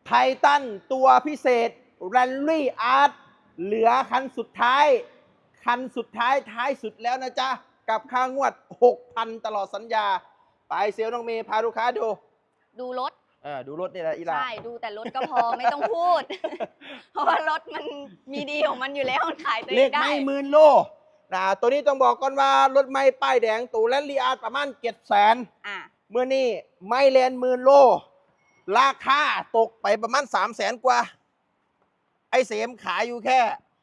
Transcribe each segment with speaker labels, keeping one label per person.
Speaker 1: ไททันตัวพิเศษแรลลี่อาร์ตเหลือคันสุดท้ายท้ายสุดแล้วนะจ๊ะ กับค่างวด 6,000 ตลอดสัญญา ไปเซลล์น้องเมย์พาลูกค้า
Speaker 2: ดูรถ
Speaker 1: ดูรถนี่แหละอีหลา
Speaker 2: ใช่ดูแต่รถก็พอ ไม่ต้องพูด เพราะว่ารถมันมีดีของมันอยู่แล้วมันขายตัวเอ
Speaker 1: เล
Speaker 2: ง
Speaker 1: ข
Speaker 2: ได้
Speaker 1: ไม่หมื่นโลตัวนี้ต้องบอกก่อนว่ารถไม่ป้ายแดงตัวแรลลี่อาร์ตประมาณ700,000เมื่อนี้ไม่แลนหมื่นโล ราคาตกไปประมาณ300,000 กว่า ไอเสมขายอยู่แค่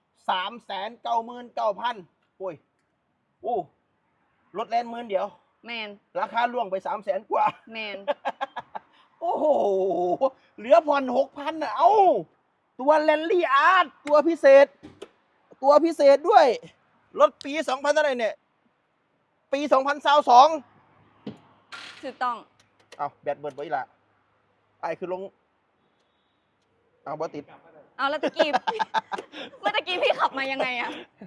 Speaker 1: 399,000โอ้ยโอ้รถแลนหมื่นเดียว
Speaker 2: แมน
Speaker 1: ราคาล่วงไป300,000 กว่า
Speaker 2: แมน
Speaker 1: โอ้โห เหลือผ่อน6,000นะเอ้า ตัวแรลลี่อาร์ตตัวพิเศษด้วย รถปี2000เท่าไหร่เนี่ย ปี2022
Speaker 2: ถูกต้อง
Speaker 1: เอาแบตเบิดไว้ละไอคือลง เอาบอติด
Speaker 2: เอาแล้วตะกี้ เมื่อตะกี้พี่ขับมายังไงอะ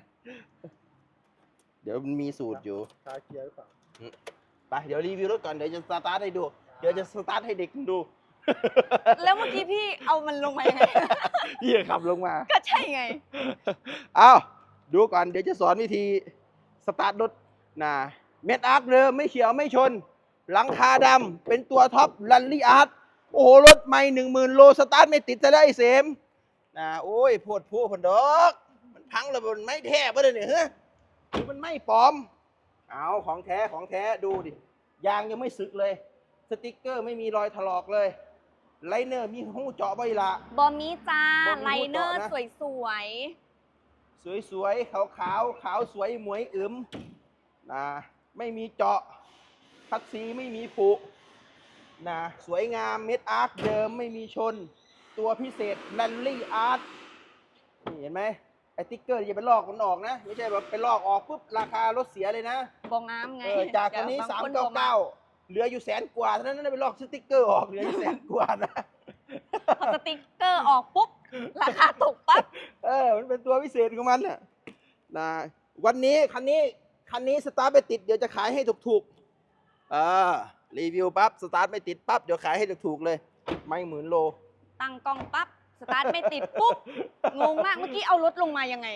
Speaker 1: เดี๋ยวมันมีสูตรอยู่
Speaker 3: คาเกียร์หรือเปล่า
Speaker 1: ไปเดี๋ยวรีวิวรถก่อน เดี๋ยวจะสตาร์ทให้ดู เดี๋ยวจะสตาร์ทให้เด็กดู
Speaker 2: แล้วเมื่อกี้พี่เอามันลงมายังไง
Speaker 1: พี่ขับลงมา
Speaker 2: ก็ใช่ไง
Speaker 1: เอาดูก่อนเดี๋ยวจะสอนวิธีสตาร์ทรถนะเม็ดอาร์คเดิมไม่เขียวไม่ชน หลังคาดำเป็นตัวท็อปลันลี่อาร์ตโอ้โห รถไม่10,000 โลสตาร์ทไม่ติดจะได้เสมนะโอ้ยโพดผู้ผนดอกมันพังแล้วมันไม่แท้ปะเนี่ยเฮ้ยมันไม่ปลอม เอาของแท้ดูดิยางยังไม่สึกเลย สติกเกอร์ไม่มีรอยถลอกเลยไลเนอร์มีหูเจาะใบละ
Speaker 2: บอมมี่จ้า
Speaker 1: บอมมี่
Speaker 2: ไลเนอร์
Speaker 1: ต่อนะ
Speaker 2: สวย
Speaker 1: สวยๆขาวสวยหมวยอึมนะไม่มีเจาะคัดซีไม่มีผุนะสวยงามเม็ดอาร์คเดิมไม่มีชน ตัวพิเศษแรลลี่อาร์ตนี่เห็นไหมไอติ๊กเกอร์อย่าไปลอกมันออกนะ ไม่ใช่แบบไปลอกออกปุ๊บราคารถเสียเลยนะ
Speaker 2: ๆบองงามไง
Speaker 1: จากตอนนี้
Speaker 2: บางคนบอกมา
Speaker 1: 399เหลืออยู่100,000 กว่าเท่านั้นนะไปลอกสติ๊กเกอร์ออกเหลืออยู่100,000 กว่านะ
Speaker 2: พอสติ๊กเกอร์ออกปุ๊บ ราคาตกปั๊บ
Speaker 1: มันเป็นตัวพิเศษของมันน่ะนะวันนี้คันนี้สตาร์ทไปติดเดี๋ยวจะขายให้ถูกๆรีวิวปั๊บสตาร์ทไม่ติดปั๊บเดี๋ยวขายให้ถูกๆเลยไม่10,000 โล
Speaker 2: ตั้งกล้องปั๊บ สตาร์ทไม่ติดปุ๊บ งงมาก เมื่อกี้เอารถลงมายังไง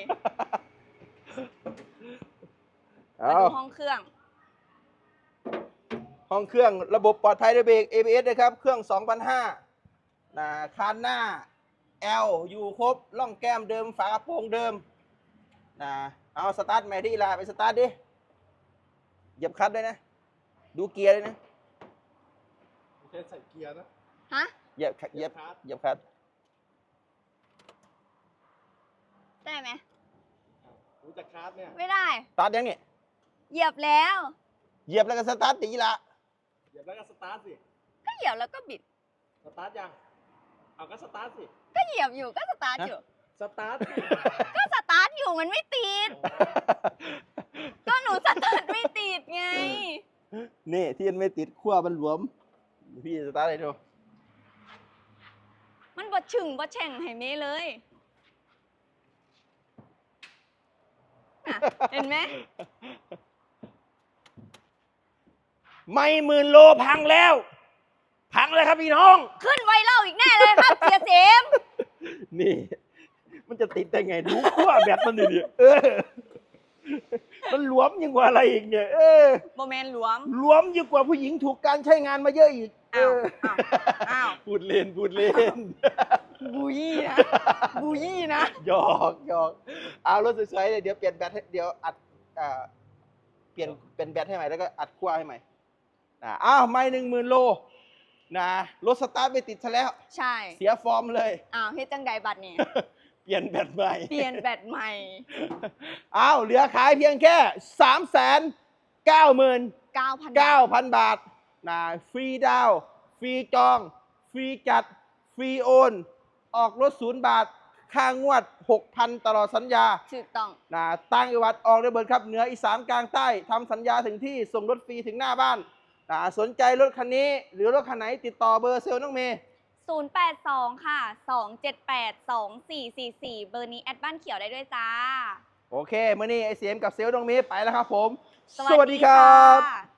Speaker 2: มาดูห้องเครื่อง
Speaker 1: ห้องเครื่องระบบปลอดภัยด้วยเบรก ABS นะครับ เครื่อง 2,500นะคานหน้า L อยู่ครบล่องแก้มเดิมฝากระโปรงเดิมนะเอาสตาร์ทใหม่ที่ลาไปสตาร์ทดิเหยียบคลัตช์ด้วยนะ ดูเกียร์ด้วยนะ
Speaker 3: ไม่ใช่ใส่เกียร์นะ
Speaker 2: ฮะ
Speaker 1: เหยียบคลัตช์
Speaker 2: ได้ไหม
Speaker 3: รู้จักคาร์ดเนี่ย
Speaker 2: ไม่ได้
Speaker 1: สตาร์ทยังเนี่ย
Speaker 2: เหยียบแล้ว
Speaker 1: เหยียบแล้วก็สตาร์ทตีละ
Speaker 3: เหยียบแล้วก็สตาร์ทสิ
Speaker 2: ก็เหยียบแล้วก็บิด
Speaker 3: สตาร์ทยัง เอาก็สตาร์ทสิ
Speaker 2: ก็เหยียบอยู่ก็สตาร์ทอยู่
Speaker 3: สตาร์ทสิ
Speaker 2: ก็สตาร์ทอยู่มันไม่ติด ก็หนูสตาร์ทไม่ติดไง
Speaker 1: นี่ที่มันไม่ติดขั้วมันหลวมพี่สตาร์ทให้ดู
Speaker 2: มันบดฉึ่งบดแฉ่งให้เมเลยน่ะเห็นไหม
Speaker 1: ไม่10,000 โลพังแล้วครับพี่น้อง
Speaker 2: ขึ้นไวเล่าอีกแน่เลยครับ เสียเสม
Speaker 1: นี่ มันจะติดได้ไงดูขั้วแบตมันดิมันหลวมยิ่งกว่าอะไรอีกเนี่ย
Speaker 2: โมเมนหลวม
Speaker 1: หลวมยิ่งกว่าผู้หญิงถูกการใช้งานมาเยอะอีก
Speaker 2: อ้าว
Speaker 1: พูดเล่น
Speaker 2: บูยี่นะ บูยี่นะ
Speaker 1: หยอกเอารถสวยๆเลยเดี๋ยวเปลี่ยนแบตให้เดี๋ยวอัดเปลี่ยนแบตให้ใหม่แล้วก็อัดขั้วให้ใหม่อ้าวไม่10,000 โลนะรถสตาร์ทไม่ติดซะแล้ว
Speaker 2: ใช่
Speaker 1: เสียฟอร์มเลย
Speaker 2: อ้าวเฮ็ดจังใดบัตรนี่
Speaker 1: เปลี่ยนแบตใหม่
Speaker 2: เปลี่ยนแบตใหม่
Speaker 1: อ้าวเหลือขายเพียงแค่ 399,000 บาทนะฟรีดาวน์ฟรีจอง ฟรีจัด ฟรีโอน ออกรถ0 บาท ค่างวด 6,000 ตลอดสัญญา
Speaker 2: ถูกต้อง
Speaker 1: นะตั้งจังหวัดออกระเบิดครับเหนืออีสานกลางใต้ทำสัญญาถึงที่ส่งรถฟรีถึงหน้าบ้านนะสนใจรถคันนี้หรือรถคันไหนติดต่อเบอร์เซลล์น้องเมย์
Speaker 2: 082 ค่ะ 278 2444 เบอร์นี้แอดบ้านเขียวได้ด้วยจ้า
Speaker 1: โอเคมื่อนี้ไอเสียมกับเซลล์น้องเมย์ไปแล้วครับผม
Speaker 2: สวัสดีครับ